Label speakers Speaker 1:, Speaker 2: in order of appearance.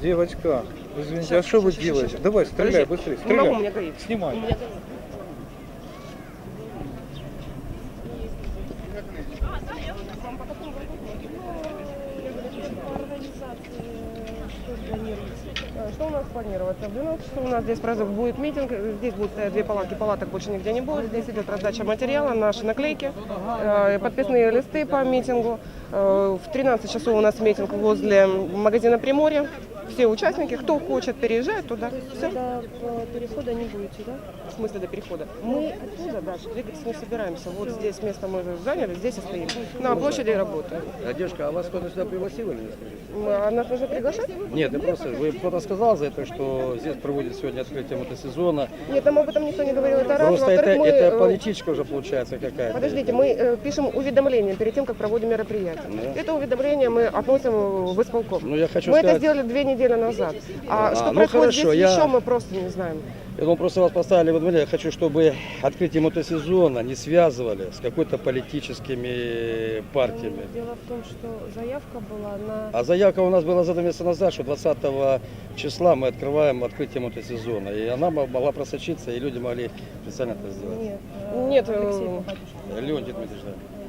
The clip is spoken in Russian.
Speaker 1: Девочка, извините, а что вы делаете? Давай, стреляй быстрее,
Speaker 2: Не могу, у
Speaker 1: стреляй.
Speaker 2: меня горит.
Speaker 1: Снимай.
Speaker 2: Что у нас планируется? В 12 часов у нас здесь будет митинг, здесь будут стоять 2 палатки, палаток больше нигде не будет. Здесь идет раздача материала, наши наклейки, подписные листы по митингу. В 13 часов у нас митинг возле магазина Приморье. Все участники, кто хочет, переезжает туда. Все.
Speaker 3: До перехода не будете, да?
Speaker 2: В смысле до перехода? Мы оттуда дальше двигаться не собираемся. Вот здесь место мы заняли, здесь и стоим. На площади работаем.
Speaker 4: Девушка, а вас кто-то сюда пригласил или не скажите?
Speaker 2: А нас нужно приглашать?
Speaker 4: Нет, я просто, вы кто-то сказал за это, что здесь проводят сегодня открытие мотосезона.
Speaker 2: Нет, нам об этом никто не говорил. Это раз.
Speaker 4: Просто
Speaker 2: Во-вторых, мы,
Speaker 4: это политичка уже получается какая-то.
Speaker 2: Подождите, мы пишем уведомление перед тем, как проводим мероприятие.
Speaker 4: Да.
Speaker 2: Это уведомление мы относим в исполком.
Speaker 4: Ну, я хочу
Speaker 2: мы
Speaker 4: сказать...
Speaker 2: это сделали 2 недели назад. А что
Speaker 4: ну,
Speaker 2: происходит
Speaker 4: хорошо,
Speaker 2: здесь еще, мы просто не знаем.
Speaker 4: Я думаю, просто вас поставили в уведомление. Я хочу, чтобы открытие мотосезона не связывали с какой-то политическими партиями.
Speaker 3: Дело в том, что заявка была на...
Speaker 4: А заявка у нас была за 2 месяца назад, что 20 числа мы открываем открытие мотосезона. И она могла просочиться, и люди могли специально это сделать.
Speaker 3: Нет.
Speaker 2: Нет,
Speaker 3: Алексей Попадюшкин.
Speaker 4: Леонид Дмитриевич, да.